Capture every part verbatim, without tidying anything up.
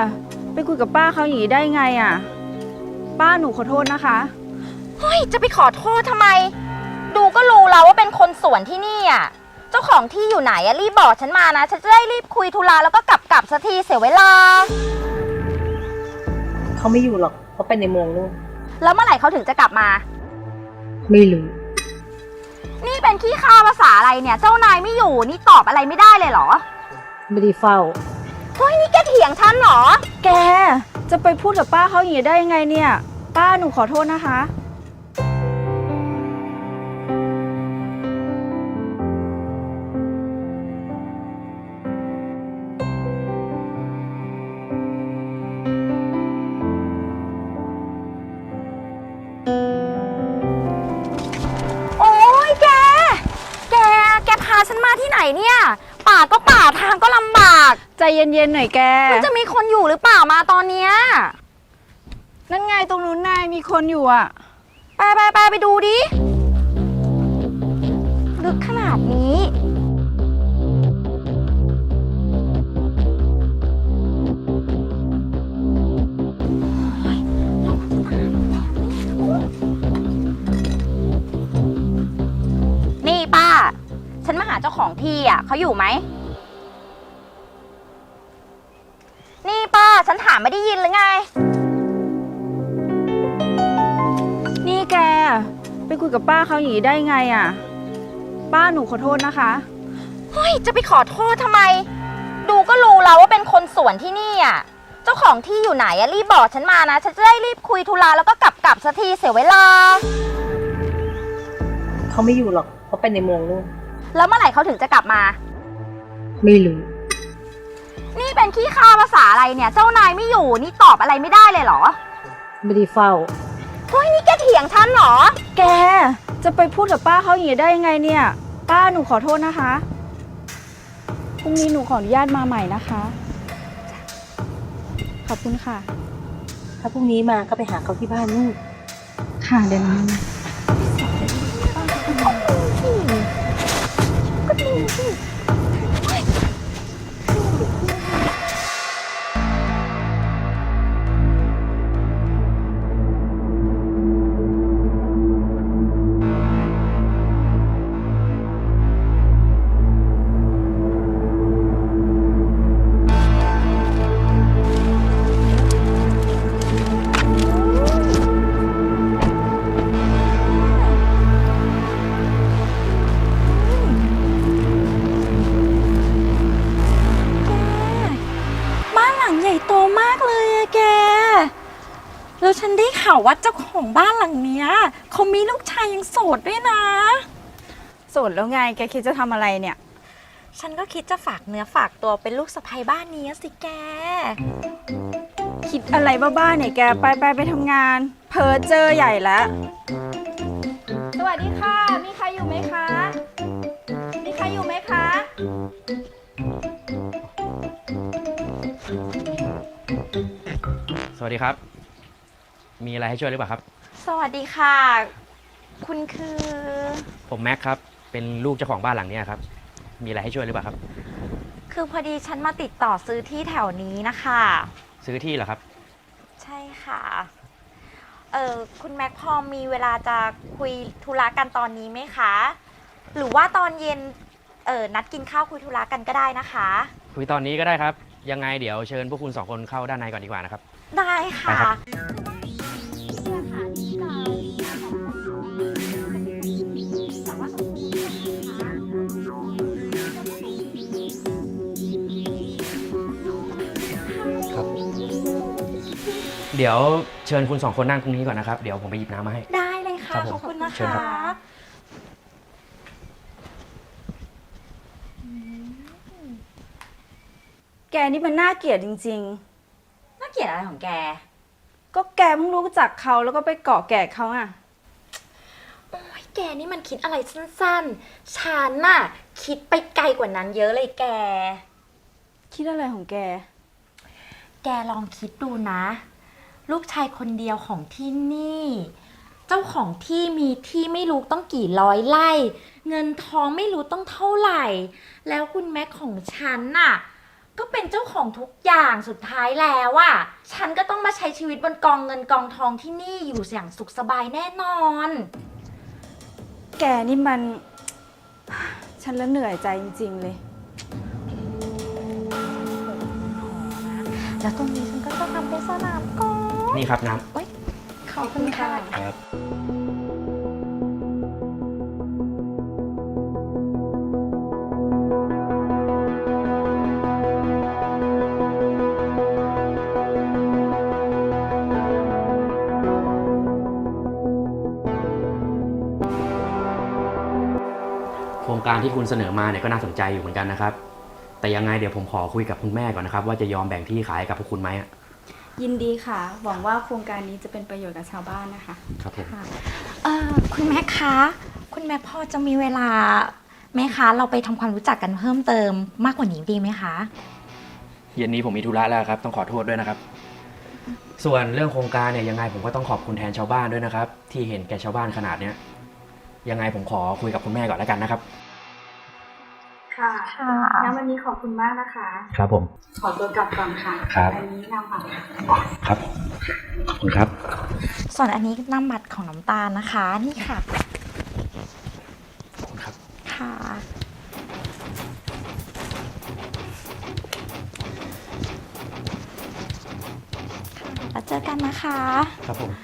ไปคุยกับป้าเขาอย่างนี้ได้ไงอ่ะป้าหนูขอโทษนะคะเฮ้ยจะไปขอโทษทำไมดูก็รู้แล้วว่าเป็นคนสวนที่นี่อ่ะเจ้าของที่อยู่ไหนอะรีบบอกฉันมานะฉันจะได้รีบคุยธุระแล้วก็กลับกลับสักทีเสียเวลาเขาไม่อยู่หรอกเขาไปในเมืองนู่นแล้วเมื่อไหร่เขาถึงจะกลับมาไม่รู้นี่เป็นขี้ข้าภาษาอะไรเนี่ยเจ้านายไม่อยู่นี่ตอบอะไรไม่ได้เลยเหรอไม่ได้เฝ้าเฮ้ยนี่แกเถียงฉันเหรอแกจะไปพูดกับป้าเขาอย่างนี้ได้ยังไงเนี่ยป้าหนูขอโทษนะคะฉันมาที่ไหนเนี่ยป่าก็ป่าทางก็ลำบากใจเย็นๆหน่อยแกมันจะมีคนอยู่หรือเปล่ามาตอนเนี้ยนั่นไงตรงนู้นนายมีคนอยู่อ่ะไปไปไปไปดูดิลึกขนาดนี้นี่ป้าฉันมาหาเจ้าของที่อ่ะเขาอยู่ไหมนี่ป้าฉันถามไม่ได้ยินหรือไงนี่แกไปคุยกับป้าเขาอย่างนี้ได้ไงอ่ะป้าหนูขอโทษนะคะเฮ้ยจะไปขอโทษทำไมดูก็รู้แล้วว่าเป็นคนสวนที่นี่อ่ะเจ้าของที่อยู่ไหนอ่ะรีบบอกฉันมานะฉันจะได้รีบคุยธุระแล้วก็กลับกลับสักทีเสียเวลาเขาไม่อยู่หรอกเขาไปในเมืองนู่นแล้วเมื่อไหร่เขาถึงจะกลับมาไม่รู้นี่เป็นขี้ข้าภาษาอะไรเนี่ยเจ้านายไม่อยู่นี่ตอบอะไรไม่ได้เลยเหรอไม่ได้เฝ้าเฮ้ยนี่แกเถียงฉันเหรอแกจะไปพูดกับป้าเขาอย่างนี้ได้ยังไงเนี่ยป้าหนูขอโทษนะคะพรุ่งนี้หนูขออนุญาตมาใหม่นะคะขอบคุณค่ะถ้าพรุ่งนี้มาก็ไปหาเขาที่บ้านนู่นค่ะเดี๋ยวนี้ก็ดีสิแล้วฉันได้ข่าวว่าเจ้าของบ้านหลังเนี้ยเขามีลูกชายยังโสดด้วยนะโสดแล้วไงแกคิดจะทำอะไรเนี่ยฉันก็คิดจะฝากเนื้อฝากตัวเป็นลูกสะใภ้บ้านนี้สิแกคิดอะไรบ้าๆเนี่ยแกไปไปไปทำงานเพ้อเจอใหญ่แล้วสวัสดีค่ะมีใครอยู่ไหมคะมีใครอยู่ไหมคะสวัสดีครับมีอะไรให้ช่วยหรือเปล่าครับสวัสดีค่ะคุณคือผมแม็กครับเป็นลูกเจ้าของบ้านหลังนี้ครับมีอะไรให้ช่วยหรือเปล่าครับคือพอดีฉันมาติดต่อซื้อที่แถวนี้นะคะซื้อที่เหรอครับใช่ค่ะเออคุณแม็กพอมีเวลาจะคุยธุระกันตอนนี้ไหมคะหรือว่าตอนเย็นเออนัดกินข้าวคุยธุระกันก็ได้นะคะคุยตอนนี้ก็ได้ครับยังไงเดี๋ยวเชิญพวกคุณสองคนเข้าด้านในก่อนดีกว่านะครับได้ค่ะเดี๋ยวเชิญคุณสองคนนั่งตรงนี้ก่อนนะครับเดี๋ยวผมไปหยิบน้ำมาให้ได้เลยค่ะขอบคุณนะคะแกนี่มันน่าเกลียดจริงๆน่าเกลียดอะไรของแกก็แกเพิ่งรู้จักเขาแล้วก็ไปเกาะแกะเขาอ่ะโอ้ยแกนี่มันคิดอะไรสั้นๆฉันน่ะคิดไปไกลกว่านั้นเยอะเลยแกคิดอะไรของแกแกลองคิดดูนะลูกชายคนเดียวของที่นี่เจ้าของที่มีที่ไม่รู้ต้องกี่ร้อยไร่เงินทองไม่รู้ต้องเท่าไหร่แล้วคุณแม่ของฉันน่ะก็ก็เป็นเจ้าของทุกอย่างสุดท้ายแล้วอะฉันก็ต้องมาใช้ชีวิตบนกองเงินกองทองที่นี่อยู่อย่างสุขสบายแน่นอนแกนี่มัน ฉันแล้วเหนื่อยใจจริงๆเลยแล้วตรงนี้ฉันก็จะทำเป็นสนามกอล์ฟนี่ครับน้ขอบคุณค่ะำครับ โครงการที่คุณเสนอมาเนี่ยก็น่าสนใจอยู่เหมือนกันนะครับ แต่ยังไงเดี๋ยวผมขอคุยกับคุณแม่ก่อนนะครับ ว่าจะยอมแบ่งที่ขายให้กับพวกคุณไหมอะยินดีค่ะ หวังว่าโครงการนี้จะเป็นประโยชน์กับชาวบ้านนะคะครับผมเอ่อคุณแม่คะ คุณแม่พอจะมีเวลาไหมคะ เราไปทำความรู้จักกันเพิ่มเติมมากกว่านี้ดีไหมคะเย็นนี้ผมมีธุระแล้วครับ ต้องขอโทษด้วยนะครับ ส่วนเรื่องโครงการเนี่ยยังไงผมก็ต้องขอบคุณแทนชาวบ้านด้วยนะครับ ที่เห็นแก่ชาวบ้านขนาดเนี้ยยังไงผมขอคุยกับคุณแม่ก่อนแล้วกันนะครับค่ะค่ะงั้นวันนี้ขอบคุณมากนะคะครับผมขอตัวกลับก่อนค่ะครับอันนี้นำค่ะครับขอบคุณครับส่วนอันนี้น้ำมัดของน้ำตาลนะคะ นี่ค่ะขอบคุณครับค่ะ แล้วเจอกันนะคะครับผม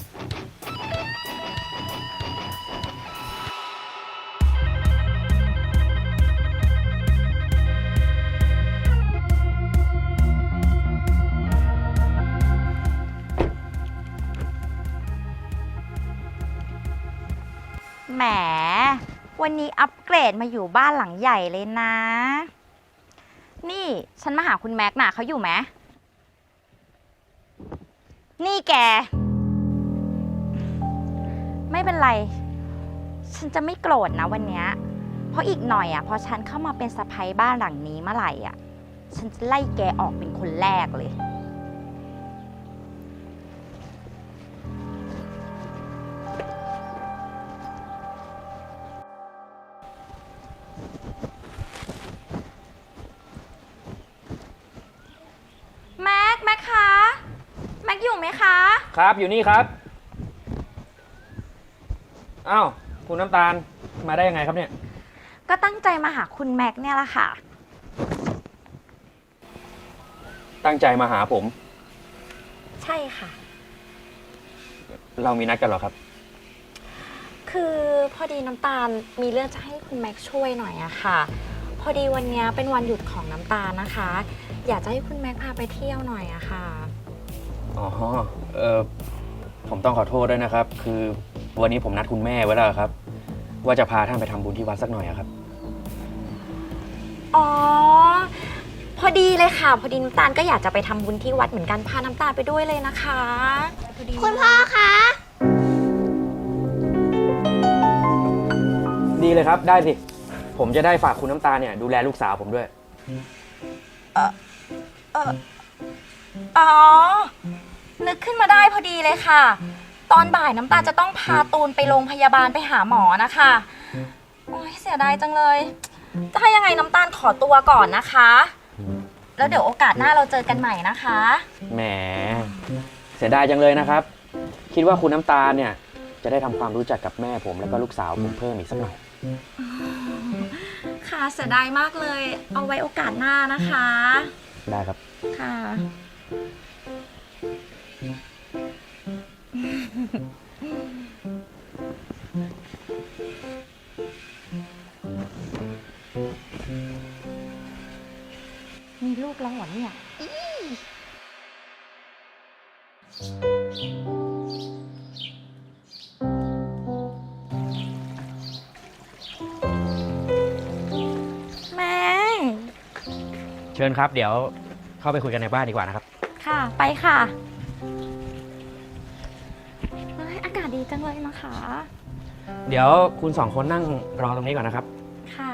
แหม วันนี้อัปเกรดมาอยู่บ้านหลังใหญ่เลยนะ นี่ฉันมาหาคุณแม็กซ์น่ะเขาอยู่ไหม นี่แก ไม่เป็นไร ฉันจะไม่โกรธนะวันเนี้ยเพราะอีกหน่อยอ่ะพอฉันเข้ามาเป็นสะใภ้บ้านหลังนี้เมื่อไหร่อ่ะ ฉันจะไล่แกออกเป็นคนแรกเลย แม็ก แม็กคะ แม็กอยู่ไหมคะครับอยู่นี่ครับอ้าวคุณน้ำตาลมาได้ยังไงครับเนี่ยก็ตั้งใจมาหาคุณแม็กเนี่ยแหละค่ะตั้งใจมาหาผมใช่ค่ะเรามีนัดกันเหรอครับคือพอดีน้ำตาลมีเรื่องจะให้คุณแม็กช่วยหน่อยอะค่ะ พอดีวันนี้เป็นวันหยุดของน้ำตาลนะคะ อยากจะให้คุณแม็กพาไปเที่ยวหน่อยอะค่ะอ๋อเออผมต้องขอโทษด้วยนะครับ คือวันนี้ผมนัดคุณแม่ไว้แล้วครับ ว่าจะพาท่านไปทำบุญที่วัดสักหน่อยอะครับอ๋อ พอดีเลยค่ะ พอดีน้ำตาลก็อยากจะไปทำบุญที่วัดเหมือนกันพาน้ำตาลไปด้วยเลยนะคะพอดีคุณพ่อคะดีเลยครับ ได้สิ ผมจะได้ฝากคุณน้ำตาลเนี่ยดูแลลูกสาวผมด้วยอ๋อ นึกขึ้นมาได้พอดีเลยค่ะ ตอนบ่ายน้ำตาลจะต้องพาตูนไปโรงพยาบาลไปหาหมอนะคะ โอ้ยเสียดายจังเลย ถ้ายังไงน้ำตาลขอตัวก่อนนะคะ แล้วเดี๋ยวโอกาสหน้าเราเจอกันใหม่นะคะแหม เสียดายจังเลยนะครับ คิดว่าคุณน้ำตาลเนี่ยจะได้ทำความรู้จักกับแม่ผมแล้วก็ลูกสาวผมเพิ่มอีกสักหน่อยค่ะเสียดายมากเลย เอาไว้โอกาสหน้านะคะได้ครับค่ะ มีลูกแล้วเหรอเนี่ยอีแม่เชิญครับ เดี๋ยวเข้าไปคุยกันในบ้านดีกว่านะครับค่ะ ไปค่ะเฮ้ยอากาศดีจังเลยนะคะเดี๋ยวคุณสองคนนั่งรอตรงนี้ก่อนนะครับค่ะ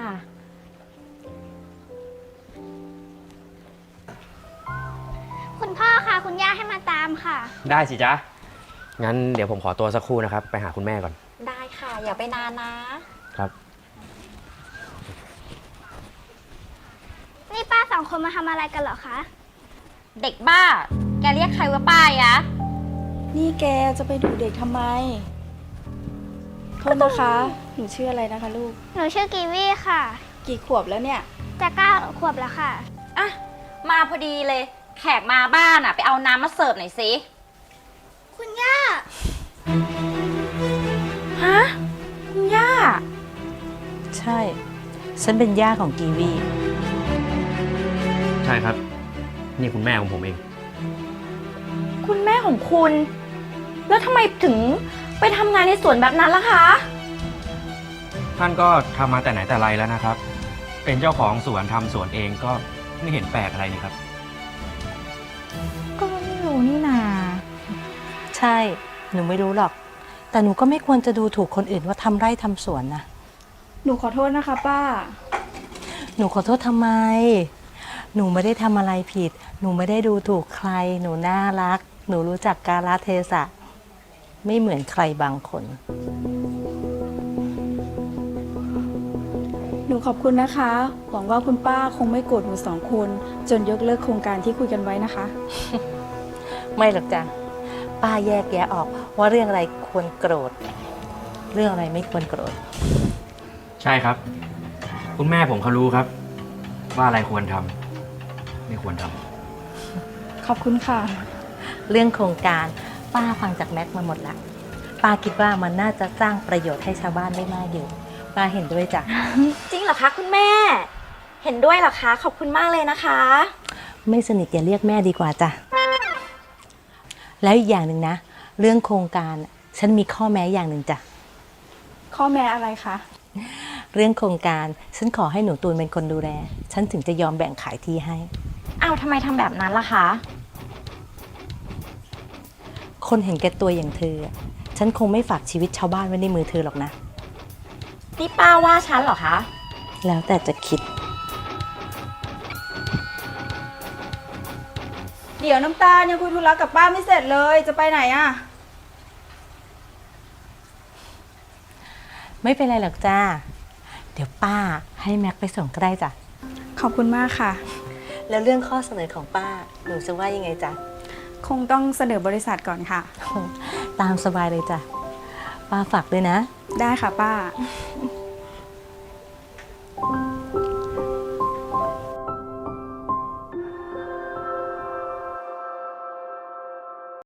คุณพ่อค่ะ คุณย่าให้มาตามค่ะได้สิจ๊ะ งั้นเดี๋ยวผมขอตัวสักครู่นะครับ ไปหาคุณแม่ก่อนได้ค่ะ อย่าไปนานนะครับนี่ป้าสองคนมาทำอะไรกันเหรอคะเด็กบ้า แกเรียกใครว่าป้ายะนี่แกจะไปดูเด็กทำไม โทษนะคะ หนูชื่ออะไรนะคะลูกหนูชื่อกีวีค่ะกี่ขวบแล้วเนี่ยจะเก้าขวบแล้วค่ะอ่ะ มาพอดีเลย แขกมาบ้านอ่ะ ไปเอาน้ำมาเสิร์ฟหน่อยสิคุณย่าฮะ คุณย่าใช่ ฉันเป็นย่าของกีวีใช่ครับ นี่คุณแม่ของผมเองคุณแม่ของคุณ แล้วทำไมถึงไปทำงานในสวนแบบนั้นล่ะคะท่านก็ทำมาแต่ไหนแต่ไรแล้วนะครับ เป็นเจ้าของสวนทำสวนเองก็ไม่เห็นแปลกอะไรนี่ครับก็ไม่รู้นี่นาใช่ หนูไม่รู้หรอก แต่หนูก็ไม่ควรจะดูถูกคนอื่นว่าทำไร่ทำสวนนะหนูขอโทษนะคะป้าหนูขอโทษทำไม หนูไม่ได้ทำอะไรผิด หนูไม่ได้ดูถูกใคร หนูน่ารัก หนูรู้จักกาลเทศะ ไม่เหมือนใครบางคนหนูขอบคุณนะคะ หวังว่าคุณป้าคงไม่โกรธหนูสองคน จนยกเลิกโครงการที่คุยกันไว้นะคะไม่หรอกจ้ะ ป้าแยกแยะออกว่าเรื่องอะไรควรโกรธ เรื่องอะไรไม่ควรโกรธใช่ครับ คุณแม่ผมเขารู้ครับ ว่าอะไรควรทำไม่ควรทำขอบคุณค่ะเรื่องโครงการป้าฟังจากแม็กมาหมดละป้าคิดว่ามันน่าจะสร้างประโยชน์ให้ชาวบ้านได้มากอยู่ ป้าเห็นด้วยจ้ะจริงเหรอคะคุณแม่ เห็นด้วยเหรอคะ ขอบคุณมากเลยนะคะไม่สนิทอย่าเรียกแม่ดีกว่าจ้ะ แล้วอีกอย่างหนึ่งนะ เรื่องโครงการฉันมีข้อแม้อย่างหนึ่งจ้ะข้อแม้อะไรคะเรื่องโครงการฉันขอให้หนูตูนเป็นคนดูแล ฉันถึงจะยอมแบ่งขายที่ให้อ้าวทำไมทำแบบนั้นล่ะคะคนเห็นแก่ตัวอย่างเธอ ฉันคงไม่ฝากชีวิตชาวบ้านไว้ในมือเธอหรอกนะนี่ป้าว่าฉันเหรอคะแล้วแต่จะคิดเดี๋ยวน้ำตาลยังคุยธุระกับป้าไม่เสร็จเลย จะไปไหนอะไม่เป็นไรหรอกจ้า เดี๋ยวป้าให้แม็กไปส่งก็ได้จ้ะขอบคุณมากค่ะแล้วเรื่องข้อเสนอของป้า หนูจะว่ายังไงจ๊ะคงต้องเสนอบริษัทก่อนค่ะตามสบายเลยจ้ะ ป้าฝากด้วยนะได้ค่ะป้า